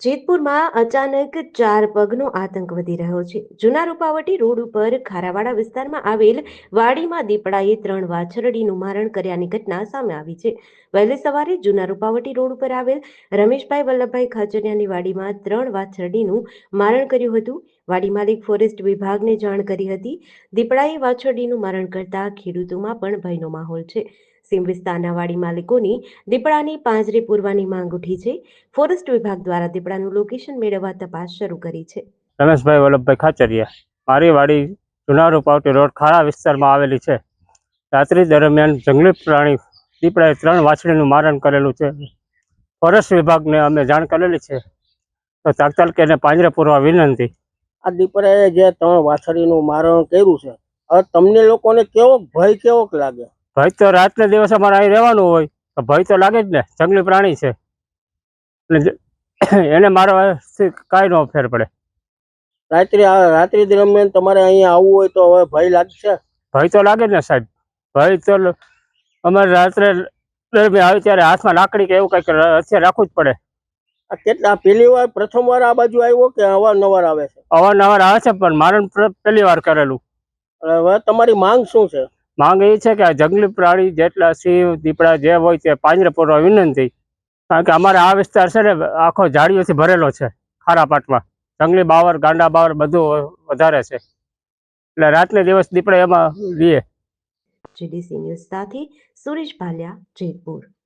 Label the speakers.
Speaker 1: જેતપુરમાં અચાનક ચાર પગનો આતંક વધી રહ્યો છે. જૂના રૂપાવટી રોડ ઉપર ખારાવાડા વિસ્તારમાં આવેલ વાડીમાં દીપડાએ 3 વાછરડીનું મારણ કર્યાની ઘટના સામે આવી છે. વહેલી સવારે જૂના રૂપાવટી રોડ ઉપર આવેલ રમેશભાઈ વલ્લભભાઈ ખાચરિયાની વાડીમાં 3 વાછરડીનું મારણ કર્યું હતું. વાડી માલિક ફોરેસ્ટ વિભાગને જાણ કરી હતી. દીપડાએ વાછરડીનું મારણ કરતા ખેડૂતોમાં પણ ભયનો માહોલ છે. સીમ વિસ્તારના વાડી માલિકોની દીપડાની પાંજરે પૂરવાની માંગ ઉઠી છે. ફોરેસ્ટ વિભાગ દ્વારા દીપડાનું લોકેશન મેળવવા તપાસ શરૂ કરી છે.
Speaker 2: રમેશભાઈ વલ્લભભાઈ ખાચરિયા, મારી વાડી જૂના રૂપાવટી રોડ ખારા વિસ્તારમાં આવેલી છે. રાત્રિ દરમિયાન જંગલી પ્રાણી દીપડાએ 3 વાછરડીનું મારણ કરેલું છે. ફોરેસ્ટ વિભાગને અમે જાણ કરેલી છે, તો તાત્કાલિક એને પાંજરે પૂરવા વિનંતી.
Speaker 3: આ દીપડાએ જે 3 વાછરડીનું મારણ કર્યું છે, હવે તમને લોકોને કેવો લાગે?
Speaker 2: ભય તો રાતને દિવસે અમારે અહીં રહેવાનું હોય તો ભય તો લાગે જ ને. જંગલી પ્રાણી છે એટલે એને મારવાથી કાંઈ ન ફેર પડે.
Speaker 3: રાત્રિ દરમિયાન તમારે અહીંયા આવવું હોય તો હવે ભય લાગશે?
Speaker 2: ભય તો લાગે જ ને સાહેબ. ભય તો અમારે રાત્રે દરમિયાન આવે ત્યારે હાથમાં લાકડી કે એવું કંઈક હથિયાર રાખવું જ પડે.
Speaker 3: આ પ્રથમ વાર આ બાજુ આવ્યો કે અવારનવાર આવે છે?
Speaker 2: અવારનવાર આવે છે, પણ મારણ પહેલી વાર કરેલું.
Speaker 3: હવે તમારી માંગ શું છે?
Speaker 2: માંગ એ છે કે આ જંગલી પ્રાણી જેટલા સિંહ દીપડા જે હોય તે પાંજરે પૂરવા વિનંતી. કારણ કે અમારે આ વિસ્તાર છે ને આખો ઝાડીઓથી ભરેલો છે. ખારા પાટમાં જંગલી બાવર, ગાંડા બાવર બધું વધારે છે, એટલે રાતને દિવસ દીપડા એમાં લીએ.
Speaker 1: જીડીસી ન્યૂઝ સાથે સુરેશ ભાલિયા, જેતપુર.